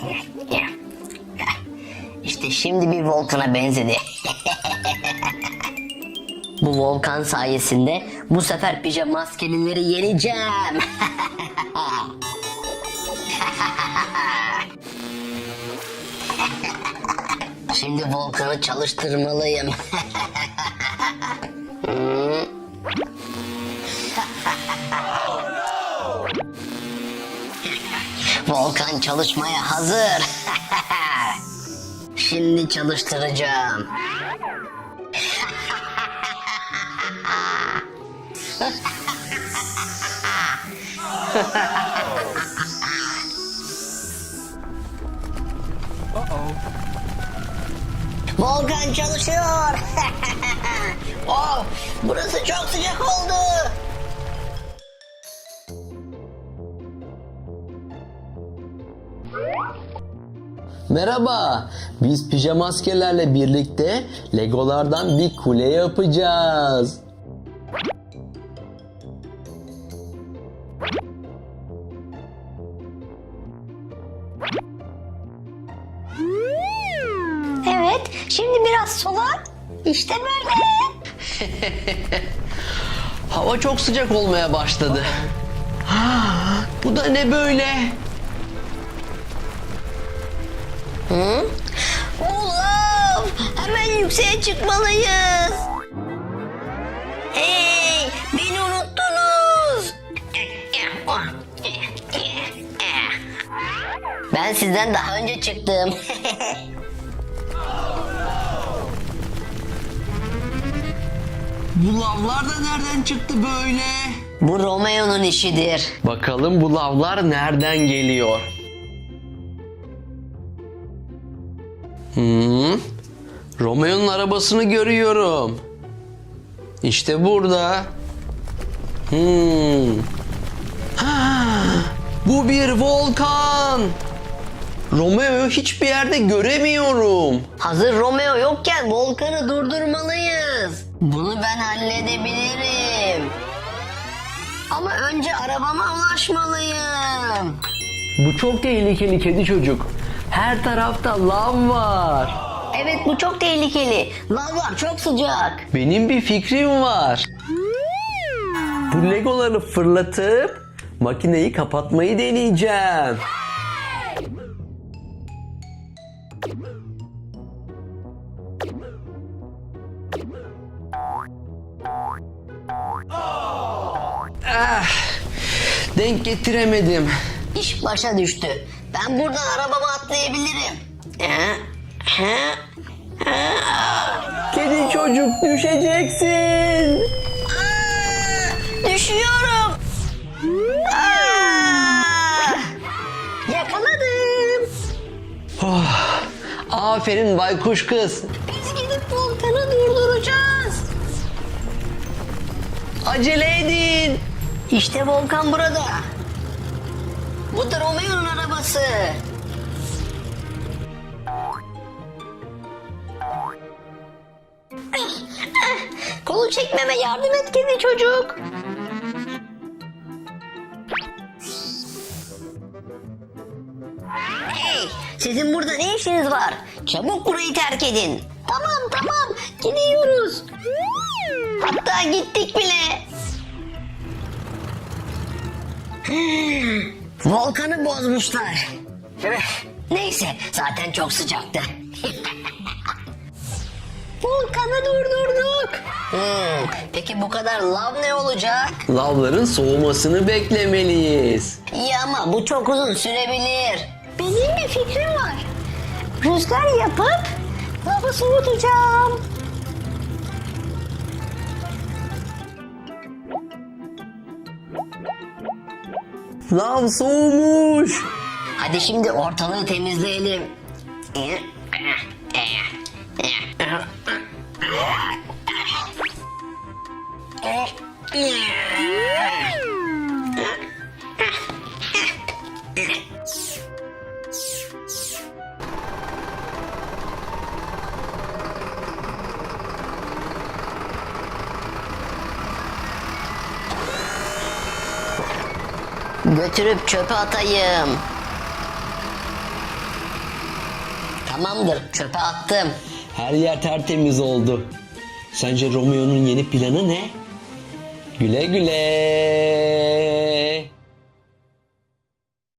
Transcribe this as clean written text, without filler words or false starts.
İşte şimdi bir volkana benzedi. Bu volkan sayesinde bu sefer pijama maskelileri yeneceğim. Şimdi volkanı çalıştırmalıyım. Volkan çalışmaya hazır. Şimdi çalıştıracağım. Volkan çalışıyor. Oh, burası çok sıcak oldu. Merhaba, biz pijama askerlerle birlikte Legolardan bir kule yapacağız. Evet, şimdi biraz sola. İşte böyle. Hava çok sıcak olmaya başladı. Bu da ne böyle? Ulan, hemen yükseğe çıkmalıyız. Hey, beni unuttunuz. Ben sizden daha önce çıktım. Bu lavlar da nereden çıktı böyle? Bu Romeo'nun işidir. Bakalım bu lavlar nereden geliyor? Romeo'nun arabasını görüyorum. İşte burada. Bu bir volkan. Romeo'yu hiçbir yerde göremiyorum. Hazır Romeo yokken volkanı durdurmalıyız. Bunu ben halledebilirim. Ama önce arabama ulaşmalıyım. Bu çok tehlikeli kedi çocuk. Her tarafta lav var. Evet, bu çok tehlikeli. Lavlar çok sıcak. Benim bir fikrim var. Bu legoları fırlatıp makineyi kapatmayı deneyeceğim. Denk getiremedim. İş başa düştü. Ben buradan arabama atlayabilirim. Kedi çocuk düşeceksin. Düşüyorum. Yakaladım. Aferin baykuş kız. Biz gidip volkanı durduracağız. Acele edin. İşte volkan burada. Bu da Romeo'nun arabası. Kolu çekmeme yardım et kedi çocuk. Hey, sizin burada ne işiniz var? Çabuk burayı terk edin. Tamam, gidiyoruz. Hatta gittik bile. Volkanı bozmuşlar. Neyse, zaten çok sıcaktı. Volkanı durdurduk. Peki bu kadar lav ne olacak? Lavların soğumasını beklemeliyiz. İyi ama bu çok uzun sürebilir. Benim bir fikrim var. Rüzgar yapıp lavı soğutacağım. Lav soğumuş. Hadi şimdi ortalığı temizleyelim. Götürüp çöpe atayım. Tamamdır, çöpe attım. Her yer tertemiz oldu. Sence Romeo'nun yeni planı ne? Güle güle.